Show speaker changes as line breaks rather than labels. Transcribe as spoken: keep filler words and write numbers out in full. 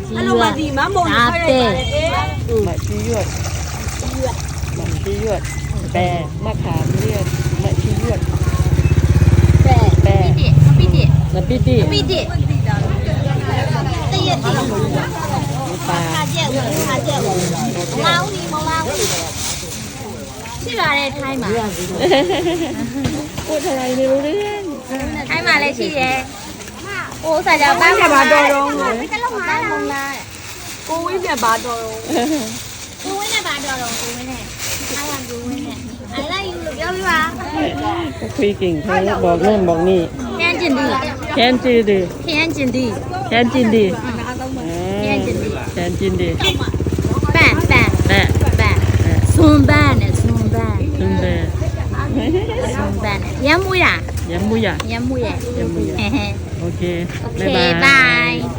အဲ့လိုမှဒီမမုံနေခိုင်းလိုက်ပါတယ်အေး
မချီရွတ်မချီရွတ်แปะมะขามเรียกมะชียวด
แปะ
แปะ
ပိတိ
น้ำปิติ
ပိတိတရက်တိ
ปลา
ခါကျက်ခါကျက်လောင်းဒီမလောင်းရှိပါတယ်ထိုင်းမှာ
พูดอะไรไม่รู้เรื่อง
ထိုင်းမှာလည်းရှိတယ်ဟိုစားကြပန်းမှာတော့တော့ပန်းမုံလား
ကိုဝင်းပြပါတော့
ကိုဝင်းနဲ့ပါတော့တော့ကိုဝင်းနဲ့အားရကိုဝင်းနဲ့ I like you လို့ပြောပြပါ
คุยเก่งเขาบอกนู่นบอกนี่
ခရမ်းကျင်ဒီ
แคนจีดี
ခရမ်းကျင်ဒီ
แคนจีดี
ခရမ်းကျင်ဒီ
แคนจีดี
ပန်ပန်
แม่
ပန်ဆွန်ပန်နဲ့ဆွန်ပန်
ซึงเบ
ဆွန်ပန်နဲ့ရမ်းမွေးတာ
ยำมุยะ
ရမ်းမွေးရဲ့
ยำมุยะ
ဟဲဟဲ
โอเค
โอเค
บ๊ายบาย
bye